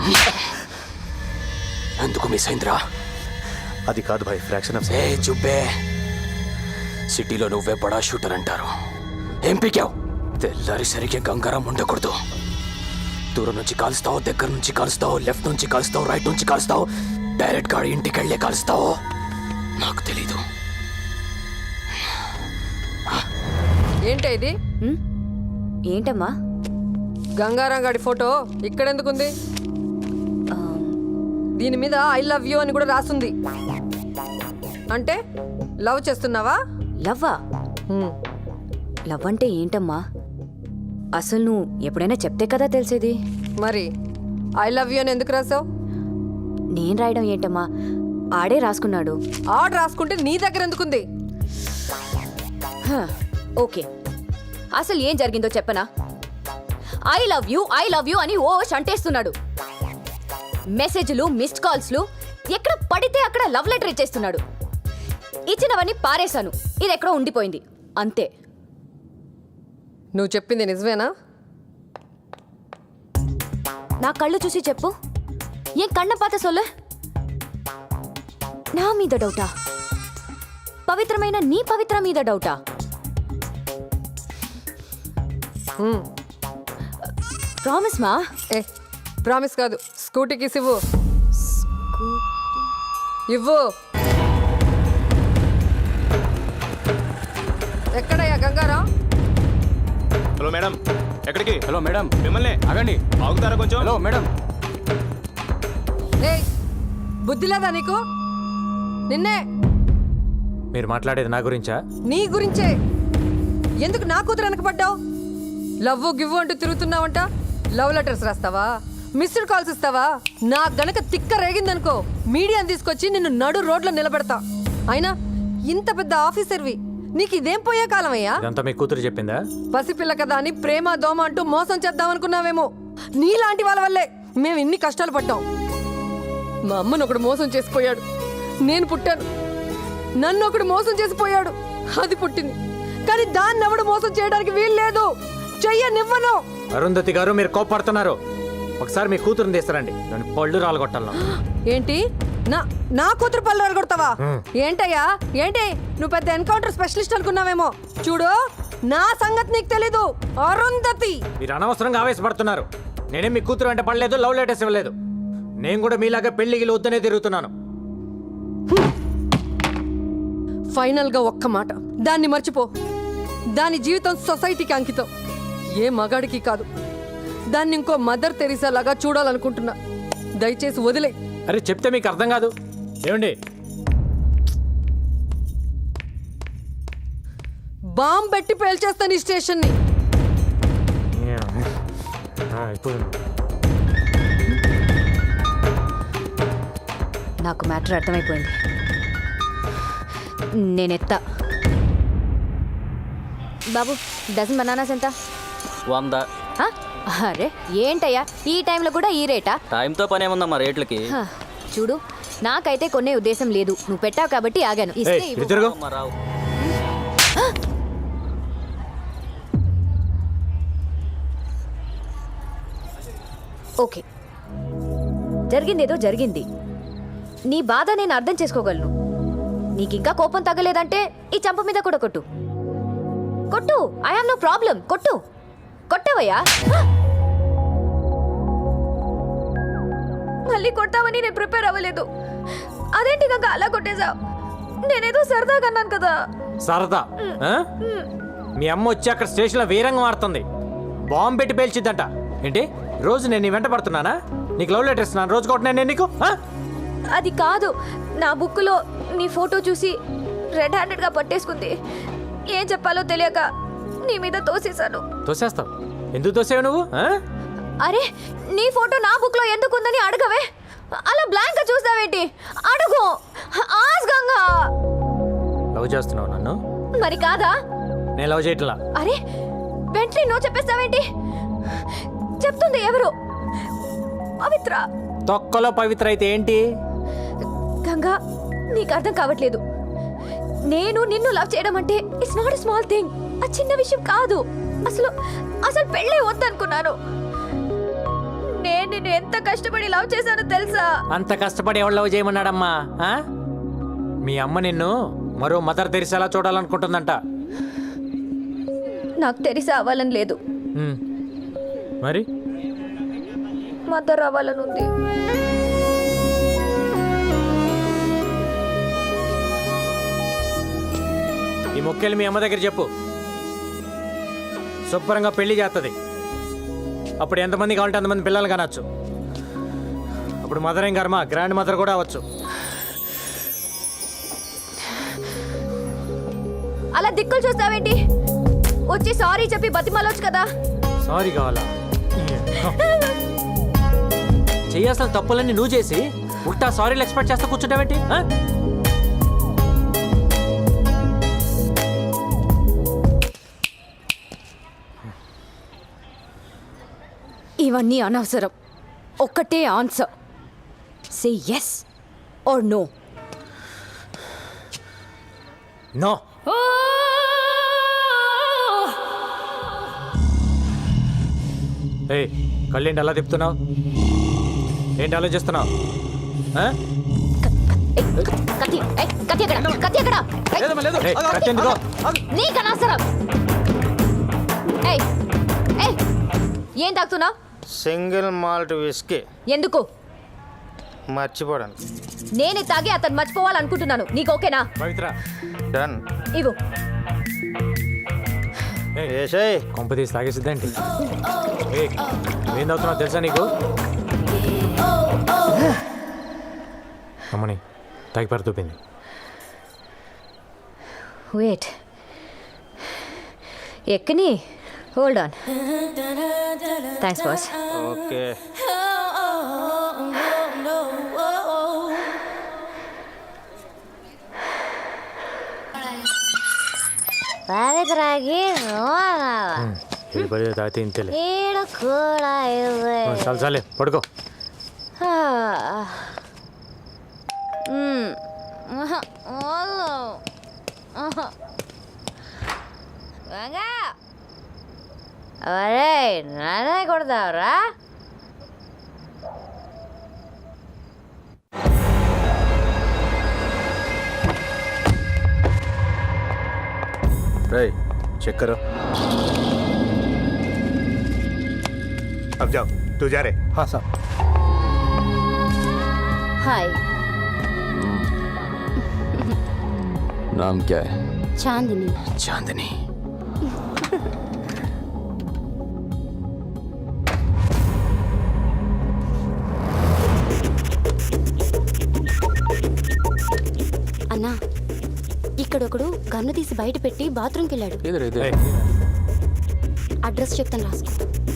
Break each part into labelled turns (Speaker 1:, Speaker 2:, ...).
Speaker 1: ఎందుకు మిస్ అయిందిరా?
Speaker 2: అది కాదు భాయ్, ఫ్రాక్షన్ ఆఫ్
Speaker 1: ఏ చుబ్బే, సిటీలో నువ్వే బడా షూటర్ అంటారు. ఏం పీకావు? తెల్లారి సరిగ్గా గంగారం ఉండకూడదు. దూరం నుంచి కాలుస్తావు, దగ్గర నుంచి కాలుస్తావు, లెఫ్ట్ నుంచి కాలుస్తావు, రైట్ నుంచి కాలుస్తావు, డైరెక్ట్ గాడి ఇంటికి వెళ్ళే కాలుస్తావు. నాకు తెలీదు.
Speaker 3: ఏంటి ఇది?
Speaker 4: ఏంటమ్మా?
Speaker 3: గంగారాం గాడి ఫోటో ఇక్కడెందుకుంది? దీని మీద ఐ లవ్ యూ అని కూడా రాస్తుంది. అంటే లవ్ చేస్తున్నావా?
Speaker 4: లవ్వా? లవ్ అంటే ఏంటమ్మా? అసలు నువ్వు ఎప్పుడైనా చెప్తే కదా తెలిసేది.
Speaker 3: మరి ఐ లవ్ యూ అని ఎందుకు రాసావు?
Speaker 4: నేను రాయడం ఏంటమ్మా, ఆడే రాసుకున్నాడు.
Speaker 3: ఆర్డర్ రాసుకుంటే నీ దగ్గర ఎందుకుంది?
Speaker 4: ఓకే, అసలు ఏం జరిగిందో చెప్పనా? ఐ లవ్ యూ అని ఓ అంటేస్తున్నాడు. మెసేజ్లు, మిస్డ్ కాల్స్లు, ఎక్కడ పడితే అక్కడ లవ్ లెటర్ ఇచ్చేస్తున్నాడు. ఇచ్చినవన్నీ పారేశాను, ఇది ఎక్కడో ఉండిపోయింది అంతే.
Speaker 3: నువ్వు చెప్పింది నిజమేనా?
Speaker 4: నా కళ్ళు చూసి చెప్పు. ఏం కన్న పాత సొల్లే? నా మీద డౌటా? పవిత్రమైన నీ పవిత్ర మీద డౌటా? ప్రామిస్ మా?
Speaker 3: ఏ ప్రామిస్ కాదు, స్కూటీకి ఇవ్వు. ఇవ్వు. ఎక్కడయ్యా గంగారాం?
Speaker 2: హలో మేడం, ఎక్కడికి?
Speaker 1: హలో మేడం,
Speaker 2: మిమ్మల్ని
Speaker 1: ఆగండి.
Speaker 2: ఆగుతారా కొంచెం?
Speaker 1: Hello madam.
Speaker 3: ఏయ్, బుద్ధి లేదా నీకు? నిన్నే.
Speaker 5: మీరు మాట్లాడేది నా గురించా?
Speaker 3: నీ గురించే. ఎందుకు నా కూతురు వెనకపడ్డావు? లవ్వు గివ్వు అంటూ తిరుగుతున్నావంట. లవ్ లెటర్స్ రాస్తావా? మిస్డ్ కాల్స్ ఇస్తావా? నాకు గనక తిక్క రేగిందనుకో, మీడియాని తీసుకొచ్చి నిన్ను నడు రోడ్లో నిలబెడతా. అయినా ఇంత పెద్ద ఆఫీసర్వి, నీకు ఇదేం పోయే కాలం అయ్యా?
Speaker 5: ఇదంతా మీ కూతురు చెప్పిందా?
Speaker 3: పసిపిల్ల కదా అని ప్రేమ దోమ అంటూ మోసం చేద్దామనుకున్నావేమో. నీలాంటి వాళ్ళ వల్లే మేము ఇన్ని కష్టాలు పడ్డాం. మా అమ్మను ఒకడు మోసం చేసిపోయాడు, నేను పుట్టాను. నన్ను ఒకడు మోసం చేసిపోయాడు, అది పుట్టింది. కానీ దాన్ని ఎవడు మోసం చేయడానికి వీలు లేదు. చెయ్యనివ్వను.
Speaker 5: అరుంధతి గారు, మీరు కోపడుతున్నారు. ఒకసారి మీ కూతురుని తీస్తారండి, దాని పళ్ళు రాలగొట్టాలను.
Speaker 3: ఏంటి? నా కూతురు పళ్ళు రాలగొడతావా? ఏంటయ్యా ఏంటి? నువ్వు పెద్ద ఎన్కౌంటర్ స్పెషలిస్ట్ అనుకున్నావేమో. చూడు, నా సంగతి నీకు తెలీదు. అరుంధతి,
Speaker 5: మీరు అనవసరంగా ఆవేశపడుతున్నారు. నేనేం మీ కూతురు వెంట పడలేదు, లవ్ లెటర్స్ ఇవ్వలేదు. నేను కూడా మీలాగా పెళ్లికి వద్దనే తిరుగుతున్నాను.
Speaker 3: ఫైనల్ గా ఒక్క మాట, దాన్ని మర్చిపో. దాని జీవితం సొసైటీకి అంకితం, ఏ మగాడికి కాదు. దాన్ని ఇంకో మదర్ తెరీసా లాగా చూడాలనుకుంటున్నా. దయచేసి వదిలే.
Speaker 5: అరే చెప్తే మీకు అర్థం కాదు. ఏమండి,
Speaker 3: బాంబు పెట్టి పేల్చేస్తాను ఈ స్టేషన్ని.
Speaker 4: నాకు మ్యాటర్ అర్థమైపోయింది. నేనెత్తా. బాబు, డజన్ బనానాస్ ఎంత?
Speaker 6: 100.
Speaker 4: అరే ఏంటయ్యా, ఈ టైంలో కూడా ఈ రేటా?
Speaker 6: టైంతో పని ఏముందమ్మా రేట్లకి?
Speaker 4: చూడు, నాకైతే కొనే ఉద్దేశం లేదు. నువ్వు పెట్టావు కాబట్టి ఆగాను. ఇస్తే ఇవ్వు.
Speaker 5: తిరుగు.
Speaker 6: అమ్మా, రావు.
Speaker 4: ఓకే, జరిగిందేదో జరిగింది. నీ బాధ నేను అర్థం చేసుకోగలను. నీకింకా కోపం తగ్గలేదంటే ఈ చంప మీద కూడా కొట్టు. కొట్టు, ఐ హావ్ నో ప్రాబ్లం. కొట్టు. కొట్టవయ్యా. మళ్ళీ కొట్టావని నేను ప్రిపేర్ అవ్వలేదు. అదేంటి గంగ అలా కొట్టేశావు? నేనేదో సరదాగా అన్నాను కదా.
Speaker 5: సరదా? మీ అమ్మ వచ్చి అక్కడ స్టేషన్లో వీరంగం ఆడుతుంది, బాంబు పెట్టి పేల్చిద్దంట. ఏంటి, రోజు నేను నీ వెంట పడుతున్నానా? నీకు లవ్ లెటర్ ఇస్తున్నాను, రోజు కొట్టినా నేను నీకు?
Speaker 4: అది కాదు, నా బుక్లో నీ ఫోటో చూసి రెడ్ హ్యాండెడ్గా పట్టేసుకుంది. ఏం చెప్పాలో తెలియక నీ మీద తోసేశాను.
Speaker 5: తోసేస్తావు? ఎందుకు తోసేవు నువ్వు?
Speaker 4: అరే, నీ ఫోటో నా బుక్లో ఎందుకు ఉందని అడగవే. అలా బ్లాంక్ గా చూస్తావేంటి? అడుగు. ఆస్గంగా
Speaker 5: లవ్ చేస్తున్నావు నన్ను?
Speaker 4: మరి కాదా?
Speaker 5: నేను లవ్ చేయట్లా.
Speaker 4: అరే, వెంటనే నువ్వు చెప్పేస్తావేంటి? చెప్తుంది ఎవరు? పవిత్ర.
Speaker 5: తొక్కలో పవిత్ర అయితే ఏంటి?
Speaker 4: గంగా, నీకు అర్థం కావట్లేదు. నేను నిన్ను లవ్ చేయడం అంటే it's not a small thing. ఆ చిన్న విషయం కాదు. అసలు పెళ్ళే వద్దనుకున్నాను. నేను నిన్ను ఎంత కష్టపడి లవ్ చేశానో తెలుసా?
Speaker 5: అంత కష్టపడి ఎవరు లవ్ చేయమన్నాడమ్మా ఆ? మీ అమ్మ నిన్ను మరో మదర్ తెరిసేలా చూడాలనుకుంటుందంట.
Speaker 4: నాకు తెలిసి అవ్వాలని లేదు,
Speaker 5: ఉమ్. మరి
Speaker 4: మదర్ అవ్వాలని ఉంది.
Speaker 5: ఈ మొక్కేలు మీ అమ్మ దగ్గర చెప్పు, శుభ్రంగా పెళ్లి చేస్తుంది. అప్పుడు ఎంతమంది కావాలంటే అంతమంది పిల్లలు కనొచ్చు. అప్పుడు మదర్ ఏం కర్మ, గ్రాండ్ మదర్ కూడా అవ్వచ్చు.
Speaker 4: అలా దిక్కులు చూస్తావేంటి? వచ్చి సారీ చెప్పి బతిమాలొచ్చు కదా.
Speaker 5: సారీ కావాలా? చేయాల్సిన తప్పులన్నీ నువ్వు చేసి ఉల్టా సారీలు ఎక్స్పెక్ట్ చేస్తా కూర్చుంటావేంటి? ఆ?
Speaker 4: ఇవన్నీ అనవసరం. ఒక్కటే answer, say yes or no.
Speaker 5: No. ఏయ్, కళ్ళేంటి అలా తిప్పుతున్నావు? ఏంటి ఆలోచిస్తున్నావు? ఆ?
Speaker 4: కత్తి కత్తి ఎక్కడ? కత్తి ఎక్కడ?
Speaker 5: ఏయ్, కత్తి ఎందుకో?
Speaker 4: నీకు అనవసరం. ఏయ్ ఏయ్, ఏం తాగుతున్నావు?
Speaker 7: సింగిల్ మాల్ట్ విస్కీ
Speaker 4: ఎందుకు?
Speaker 7: మర్చిపోవడానికి.
Speaker 4: నేనే తాగి అతను మర్చిపోవాలనుకుంటున్నాను. నీకు ఓకేనా?
Speaker 5: పవిత్ర,
Speaker 7: డన్.
Speaker 4: ఇవ్వు.
Speaker 7: ఏసేయ్.
Speaker 5: కొంప తీసి తాగేసిద్దేంటి? ఏయ్, ఏం తాగుతున్నావు తెలుసా నీకు? అమ్మని తాగి పరుతూపింది.
Speaker 4: వెయిట్, ఎక్కని. Hold on. Thanks boss.
Speaker 7: Okay.
Speaker 8: పవిత్రకి
Speaker 5: ఇది పడి తాగితే ఇంతలే.
Speaker 8: ఈడ కూడా ఇవ్వే.
Speaker 5: చాలు చాలే, పడుకో.
Speaker 8: అరే నానే కొడతావురా?
Speaker 2: रे चेक करो. अब जाओ, तू जा रहे. हाँ साहब.
Speaker 8: హాయ్,
Speaker 1: नाम क्या है?
Speaker 8: చాందిని.
Speaker 1: चांदनी.
Speaker 8: అన్నా, ఇక్కడొకడు గన్ను తీసి బయట పెట్టి బాత్రూమ్కి వెళ్ళాడు.
Speaker 1: इधर इधर.
Speaker 5: ఏయ్,
Speaker 8: అడ్రస్ చెప్తాను, రాసుకో.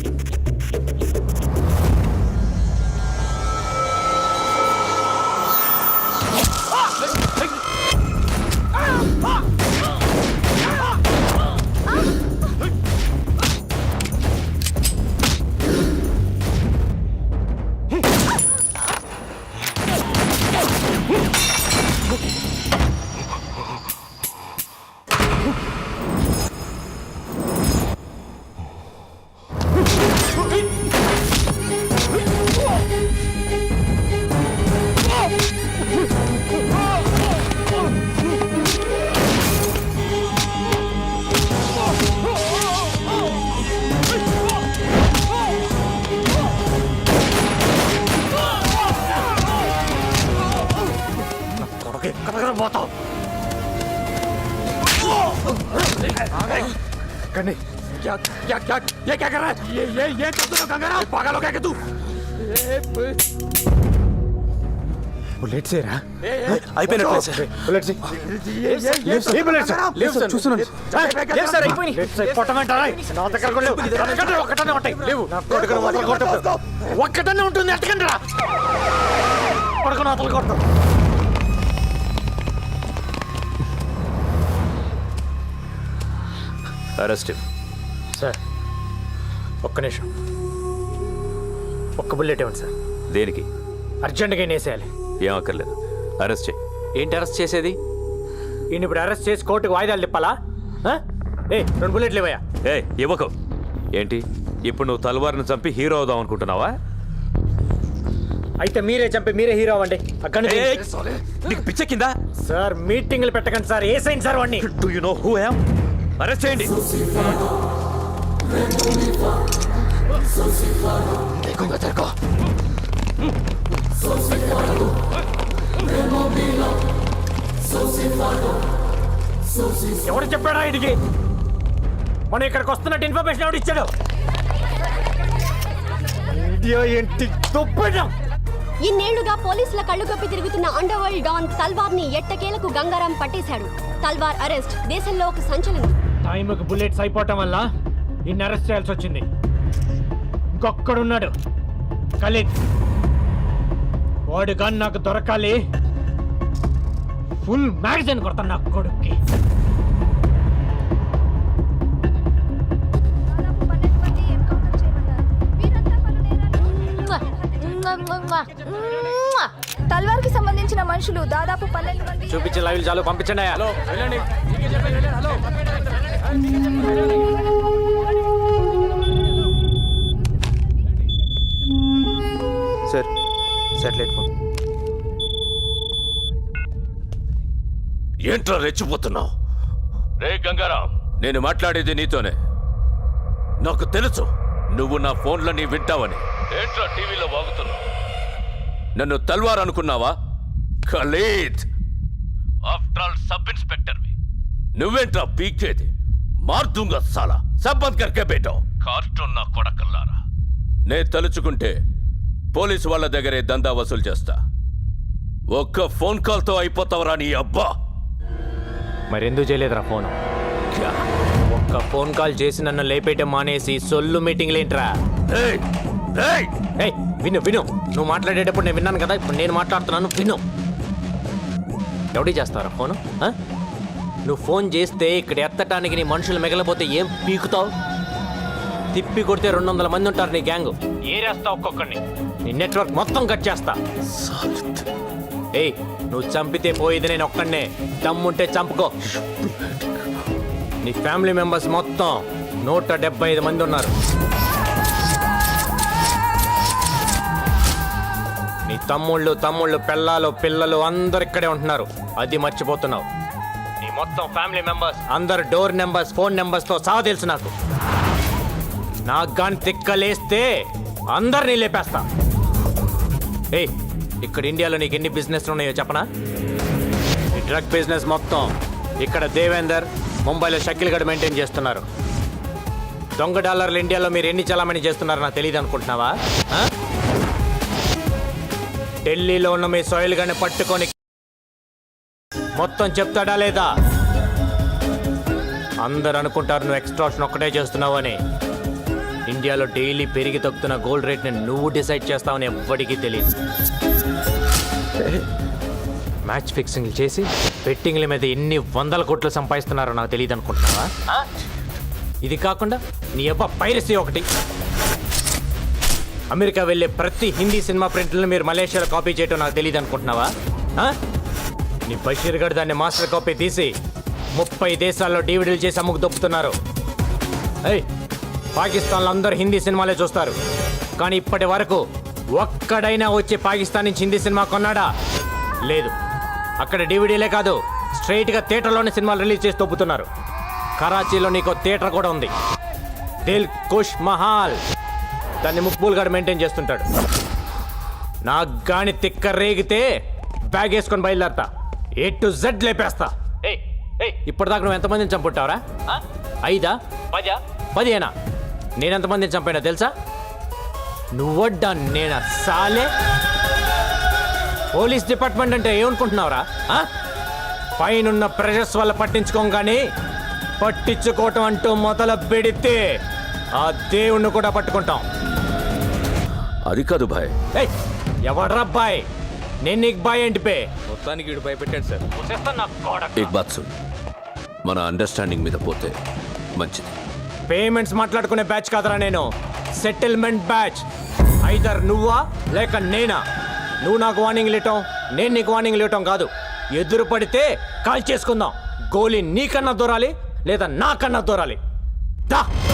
Speaker 5: क्या क्या क्या ये क्या कर रहा है? ये कर दो गंगाराम, पागल हो गया क्या तू?
Speaker 2: बुलेट से रहा.
Speaker 1: అయిపోయినట్లే సార్.
Speaker 2: बुलेट से. ये बुलेट से. लेफ्ट से చూస్తున్నాను.
Speaker 5: లేదు సార్, అయిపోయినాయి. లేదు సార్, పొట్టమంటారా? నా దగ్గర కూడా లేవు. ఒక్కటే ఒక్కటనే ఉంటాయి. లేవు. నా కొడుకును వదలు కొట్టు. ఒక్కటనే ఉంటుంది, ఎట్టకండిరా. కొడుకును వదలు కొట్టు.
Speaker 1: అరెస్ట్.
Speaker 5: సార్, ఒక్క నిమిషం. ఒక్క బుల్లెట్ ఇవ్వండి సార్.
Speaker 1: దేనికి?
Speaker 5: అర్జెంటుగా వేసేయాలి.
Speaker 1: ఏం అక్కర్లేదు, అరెస్ట్ చేయి. ఏంటి అరెస్ట్ చేసేది?
Speaker 5: ఈయన ఇప్పుడు అరెస్ట్ చేసి కోర్టుకు వాయిదాలు తిప్పాలా? ఏ 2 బుల్లెట్లు ఇవ్వయా?
Speaker 9: ఏ ఇవ్వకు. ఏంటి ఇప్పుడు నువ్వు తల్వార్ని చంపి హీరో అవుదాం అనుకుంటున్నావా?
Speaker 5: అయితే మీరే చంపి మీరే హీరో అవ్వండి అక్కడ
Speaker 1: నీకు పిచ్చ కింద
Speaker 5: సార్ మీటింగ్లు పెట్టకండి సార్ ఏ సైన్ సార్ వాడిని
Speaker 1: do you know who I am arrest చేయండి देखूंगा तेरे को
Speaker 5: ఎవరు చెప్పాడా ఇడికి మనం ఇక్కడికి వస్తున్నట్టు ఇన్ఫర్మేషన్ ఎవడు ఇచ్చాడు ఇండియా ఏంటి దుబ్బడం
Speaker 8: ఇన్నేళ్లుగా పోలీసుల కళ్ళు కప్పి తిరుగుతున్న అండర్ వరల్డ్ డాన్ తల్వార్ ని ఎట్టకేలకు గంగారాం పట్టేశాడు. తల్వార్ అరెస్ట్ దేశంలో ఒక సంచలనం.
Speaker 5: టైంకి బుల్లెట్స్ అయిపోవటం వల్ల ఇన్ని అరెస్ట్ చేయాల్సి వచ్చింది. ఇంకొక్కడున్నాడు ఖలీద్. వాడు గాని నాకు దొరకాలి. ఫుల్ మ్యాగజైన్ కొడతాను నా కొడుక్కి.
Speaker 9: తల్వార్ కి సంబంధించిన మనుషులు దాదాపు 12 మంది.
Speaker 5: చూపించే లైవ్ చాలు పంపించండి. హలో వెళ్ళండి.
Speaker 7: Sir satellite phone.
Speaker 1: ఏంట్రా రెచ్చిపోతున్నావు? రే గంగారాం, నేను మాట్లాడేది నీతోనే. నాకు తెలుసు నువ్వు నా ఫోన్లని వింటావని. ఏంట్రా టీవీలో వాగుతున్నావు? నన్ను తల్వార్ అనుకున్నావా? ఖలీద్, ఆఫ్టర్ ఆల్ సబ్ ఇన్స్పెక్టర్వి. నువ్వేంట్రా పీకేది? మార్దుంగా సాలా సబ్బంద్ కర్కే బేటో. కార్టూన్ నా కొడకల్లారా. నే తలుచుకుంటే పోలీసు వాళ్ళ దగ్గరే దందా వసూలు చేస్తా. ఒక్క ఫోన్ కాల్తో అయిపోతావరా నీ అబ్బా.
Speaker 5: మరెందుకు చేయలేదురా ఫోన్? ఒక్క ఫోన్ కాల్ చేసి నన్ను లేపేయటం మానేసి సొల్లు మీటింగ్లు ఏంట్రా?
Speaker 1: ఏయ్, ఏయ్,
Speaker 5: ఏయ్ విను విను, నువ్వు మాట్లాడేటప్పుడు నేను విన్నాను కదా, ఇప్పుడు నేను మాట్లాడుతున్నాను విను. ఎవడి చేస్తారా ఫోను? నువ్వు ఫోన్ చేస్తే ఇక్కడ ఎత్తటానికి నీ మనుషులు మిగలపోతే ఏం పీకుతావు? తిప్పి కొడితే 200 మంది ఉంటారు నీ గ్యాంగ్. ఏరేస్తా ఒక్కొక్కడిని. నీ నెట్వర్క్ మొత్తం కట్ చేస్తా. ఏయ్, నువ్వు చంపితే పోయేది నేను ఒక్కడనే. దమ్ముంటే చంపుకో. నీ ఫ్యామిలీ మెంబర్స్ మొత్తం 175 మంది ఉన్నారు. నీ తమ్ముళ్ళు పెళ్ళాలు పిల్లలు అందరు ఇక్కడే ఉంటున్నారు. అది మర్చిపోతున్నావు. నీ మొత్తం ఫ్యామిలీ మెంబర్స్ అందరు డోర్ నెంబర్స్ ఫోన్ నెంబర్స్తో సహా తెలుసు నాకు. నాకు గాని తిక్కలేస్తే అందరినీ లేపేస్తా. ఏయ్, ఇక్కడ ఇండియాలో నీకు ఎన్ని బిజినెస్ ఉన్నాయో చెప్పనా? ఈ డ్రగ్ బిజినెస్ మొత్తం ఇక్కడ దేవేందర్, ముంబైలో షకిల్ గడ్ మెయింటైన్ చేస్తున్నారు. దొంగ డాలర్లు ఇండియాలో మీరు ఎన్ని చలామణి చేస్తున్నారో నాకు తెలియదు అనుకుంటున్నావా? ఢిల్లీలో ఉన్న మీ సోయిల్ గడ్ని పట్టుకొని మొత్తం చెప్తాడా లేదా? అందరు అనుకుంటారు నువ్వు ఎక్స్ట్రాక్షన్ ఒక్కటే చేస్తున్నావు అని. ఇండియాలో డైలీ పెరిగి తగ్గుతున్న గోల్డ్ రేట్ని నువ్వు డిసైడ్ చేస్తావని ఎవ్వడికి తెలియదు. మ్యాచ్ ఫిక్సింగ్లు చేసి బెట్టింగ్ల మీద ఎన్ని 100 కోట్లు సంపాదిస్తున్నారో నాకు తెలియదు అనుకుంటున్నావా? ఇది కాకుండా నీ అబ్బా పైరసీ ఒకటి. అమెరికా వెళ్ళే ప్రతి హిందీ సినిమా ప్రింట్లను మీరు మలేషియాలో కాపీ చేయటం నాకు తెలియదు అనుకుంటున్నావా? నీ బషీర్ గడ్ దాన్ని మాస్టర్ కాపీ తీసి 30 దేశాల్లో డివిడీలు చేసి అమ్ముకు దొప్పుతున్నారు. ఏయ్, పాకిస్తాన్లో అందరూ హిందీ సినిమాలే చూస్తారు, కానీ ఇప్పటి వరకు ఒక్కడైనా వచ్చి పాకిస్తాన్ నుంచి హిందీ సినిమా కొన్నాడా? లేదు. అక్కడ డివిడీలే కాదు, స్ట్రైట్గా థియేటర్లోనే సినిమాలు రిలీజ్ చేసి దొప్పుతున్నారు. కరాచీలో నీకు థియేటర్ కూడా ఉంది, దిల్ కుష్ మహాల్. దాన్ని ముక్బూల్ గడ్ మెయింటైన్ చేస్తుంటాడు. నాకు గాని తిక్క రేగితే బ్యాగ్ వేసుకొని బయలుదేరతా. A to Z లేపేస్తా. ఇప్పటిదాకా నువ్వు ఎంతమందిని చంపుంటావరా? 5, 10, 15? నేను ఎంతమందిని చంపానో తెలుసా? నువ్వడ్డా నేనా సాలే? పోలీస్ డిపార్ట్మెంట్ అంటే ఏమనుకుంటున్నావురా? పైనున్న ప్రెషర్స్ వల్ల పట్టించుకోగానే పట్టించుకోవటం అంటూ మొదలు పెడితే ఆ దేవుణ్ణి కూడా పట్టుకుంటాం.
Speaker 1: అది కాదు భాయ్.
Speaker 5: ఎవడ్రా బాయ్? నేను నీకు బాయ్ ఏంటి పే?
Speaker 1: మొత్తానికి వీడు భయపెట్టాడు సార్.
Speaker 5: ఏక్
Speaker 1: బాత్ సున్, మన అండర్స్టాండింగ్ మీద పోతే మంచిది.
Speaker 5: పేమెంట్స్ మాట్లాడుకునే బ్యాచ్ కాదరా నేను, సెటిల్మెంట్ బ్యాచ్. ఐదర్ నువ్వా లేక నేనా. నువ్వు నాకు వార్నింగ్ ఇవ్వటం, నేను నీకు వార్నింగ్ ఇవ్వటం కాదు. ఎదురు పడితే కాల్ చేసుకుందాం. గోలీ నీకన్నా దూరాలి లేదా నాకన్నా దూరాలి. దా.